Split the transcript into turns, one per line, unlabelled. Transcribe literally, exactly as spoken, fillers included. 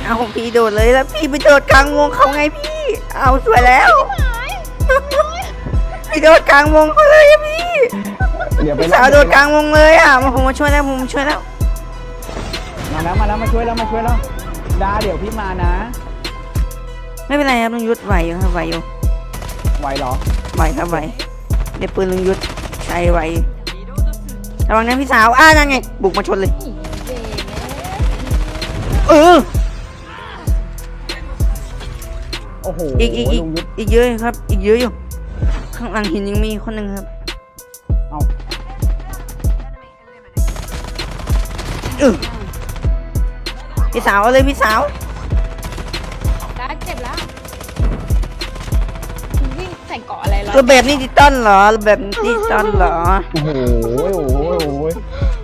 เอาพี่โดดเลยแล้วพี่ไปโดดกลางวงเขาไงพี่เอาสวยแล้วพี่โดดกลางวงเขาเลยอะพี่
เดี๋ยวไป
พี่สาวโดดกลางวงเลยอ่ะมาผมมาช่วยแล้วผมมาช่วยแล้ว
มาแล้วมาแล้วมาช่วยแล้วมาช่วยแล้วดาเดี๋ยวพี่มานะ
ไม่เป็นไรครับลุงยุทธไหวอยู่ครับไหวอยู่
ไหวเหรอ
ไหวครับไหวเดี๋ยวปืนลุงยุทธใช้ไหวระวังนะพี่สาวอ้านั่นไงบุกมาชนเลยเออ
โอ้โห
อีกอีกอีก
ลุงยุทธ
อีกเยอะครับ อีกเยอะอยู่ข้างหลังหินยังมีคนหนึ่งครับ
เอา
เออพี่สาวเอาเลยพี่สาว
ได้เจ็บแล้ววิ่งใส่เกาะอะไรร้อย
ระเบิดนี่ดิจิตอลเหรอระเบิดดิจิตอลเหรอ
โอ้โหโอ้โหโอ้โห